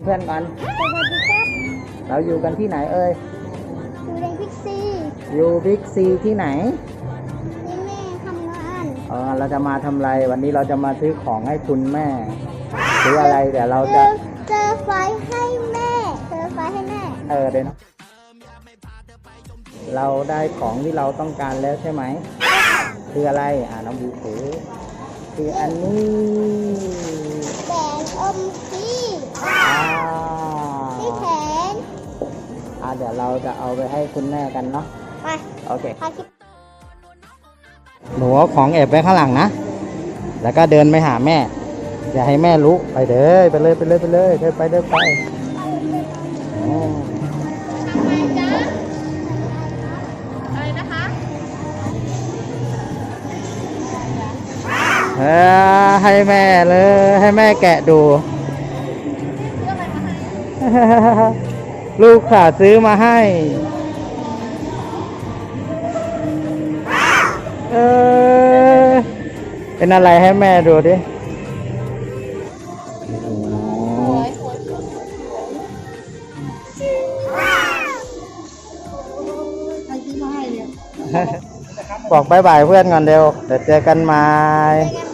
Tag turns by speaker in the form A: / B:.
A: เพื่อนกัน
B: สวัสดีครับ
A: เราอยู่กันที่ไหนเอ่ย
B: อยู่ในพิกซี
A: อยู่บิ๊กซีที่ไหน
B: ที่แม่ทำงาน
A: เราจะมาทำอะไรวันนี้เราจะมาซื้อของให้คุณแม่ซื้ออะไรเดี๋ยวเราจะ
B: เจอไฟให้แม่เจอไฟให้แม่
A: เดี๋ยวนะเราได้ของที่เราต้องการแล้วใช่ไหมคืออะไรน้องบีถือคืออันนี้
B: แหวนอมที่ที่แขน
A: เดี๋ยวเราจะเอาไปให้คุณแม่กันเนาะ
B: ไป
A: โอเคหนูเอาของแอบไว้ข้างหลังนะแล้วก็เดินไปหาแม่อย่าให้แม่รู้ไปเด้อไปเลยไปเลยไปเลยเดินไปเดินไป
B: อะไรนะคะ
A: ให้แม่เลยให้แม่แกะดูลูกขาซื้อมาให้เป็นอะไรให้แม่ดูดิบอกบายบายเพื่อนก่อนเดี๋ยวเจอกันใหม่